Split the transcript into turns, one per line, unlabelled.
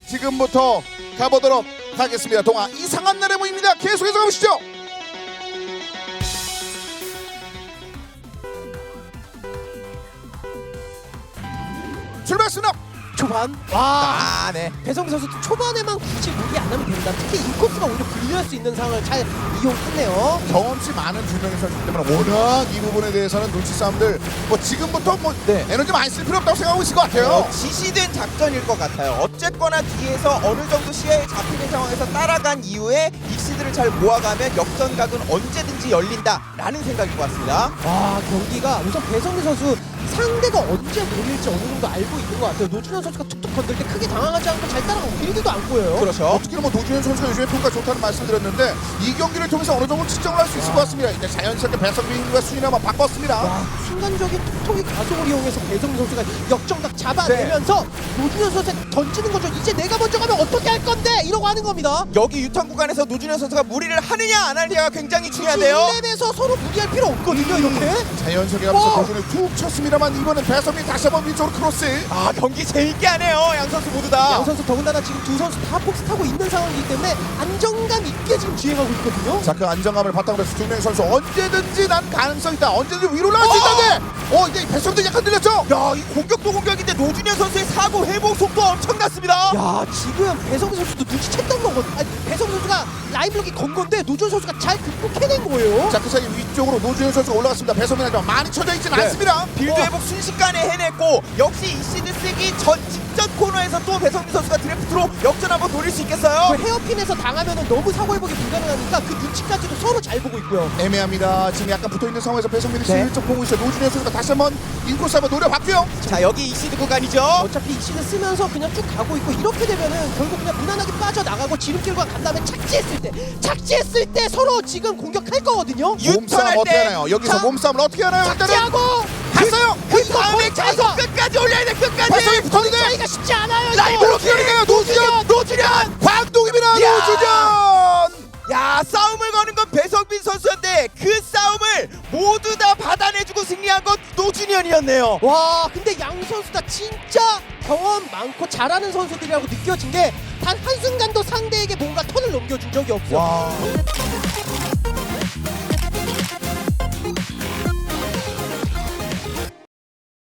지금부터 가보도록 하겠습니다. 동아 이상한 날의 모입니다. 계속해서 가보시죠. 출발했습니다.
초반 와
네.
배성기 선수도 초반에만 굳이 무리 안 하면 된다. 특히 인코스가 오히려 불리할 수 있는 상황을 잘 이용했네요.
경험치 많은 두 명의 선수이기 때문에 워낙 이 부분에 대해서는 눈치 싸움들 뭐 지금부터 뭐
네.
에너지 많이 쓸 필요 없다고 생각하고 있을 것 같아요.
지시된 작전일 것 같아요. 어쨌거나 뒤에서 어느 정도 시야에 잡히는 상황에서 따라간 이후에 익시드를 잘 모아가면 역전각은 언제든지 열린다라는 생각일 것 같습니다.
와 경기가 우선 배성기 선수 상대가 언제 몰릴지 어느 정도 알고 있는 것 같아요. 노준현 선수가 툭툭 건들 때 크게 당황하지 않고 잘 따라가고 빌드도 안 보여요.
그렇죠.
특히 뭐 노준현 선수가 요즘에 평가 좋다는 말씀드렸는데 이 경기를 통해서 어느 정도 측정을 할 수 있을 것 같습니다. 이제 자연스럽게 배성민과 순위를 한번 바꿨습니다.
와 순간적인 톡톡이 가속을 이용해서 배성기 선수가 역정각 잡아내면서 노준현 선수한테 던지는 거죠. 이제 내가 먼저 가면 어떻게 할 건데 이러고 하는 겁니다.
여기 유턴 구간에서 노준현 선수가 무리를 하느냐 안 하느냐가 굉장히 중요한데요.
1렙에서 서로 무리할 필요 없거든요. 이렇게
자연스럽게 하면서 노준현이 툭 쳤습니다만 이번엔 배성민 다시 한번 위쪽으로 크로스.
아 경기 재밌게 하네요. 양 선수 모두 다.
양 선수 더군다나 지금 두 선수 다 폭스 타고 있는 상황이기 때문에 안정감 있게 지금 주행하고 있거든요.
자, 그 안정감을 바탕으로 해서 두 명의 선수 언제든지 난 가능성 있다. 언제든지 위로 올라갈 수 있다는데 이제 배성민도 약간 들렸죠?
야, 이 공격도 공격인데 노준현 선수의 사고 회복 속도 엄청났습니다.
야 지금 배성기 선수도 눈치챘던 거거든요. 아니, 배성기 선수가 라인블록이 건 건데 노준 선수가 잘 극복해낸 거예요.
자, 그 사이 위쪽으로 노준현 선수가 올라갔습니다. 배성민 하지만 많이 쳐져 있지는
네.
않습니다.
빌드 회복 순식간에 해냈고 역시 이 시드 쓰기 전 직전 코너에서 또 배성민 선수가 드래프트로 역전 한번 노릴 수 있겠어요?
그 헤어핀에서 당하면은 너무 사고 회복이 불가능하니까 그 눈치까지도 서로 잘 보고 있고요.
애매합니다. 지금 약간 붙어있는 상황에서 배성민이
네.
슬쩍 보고 있어요. 노준현 선수가 다시 한번 인코스 한번 노려봤고요.
자 여기 이 시드 구간이죠.
어차피 이 시즌 쓰면서 그냥 쭉 가고 있고 이렇게 되면은 결국 그냥 무난하게 빠져나가고 지름길과 간 다음에 착지했을 때 서로 지금 공격할 거거든요.
몸싸움
유턴할
어떻게
때
하나요? 여기서
자,
몸싸움을 어떻게 하나요? 일단은
착지하고
갔어요.
그 다음에 계속 끝까지 올려야 돼. 끝까지.
배성민 붙었는데
차이가 쉽지 않아요.
라이브
이거.
노준현이에요. 노준현.
노준현.
광동입니다.
야!
노준현.
야 싸움을 거는 건 배성민 선수인데 그 싸움을 모두 다 받아내주고 승리한 건 노준현이었네요.
와 근데 양 선수 다 진짜 경험 많고 잘하는 선수들이라고 느껴진 게 단 한순간도 상대에게 뭔가 턴을 넘겨준 적이 없어요.
와.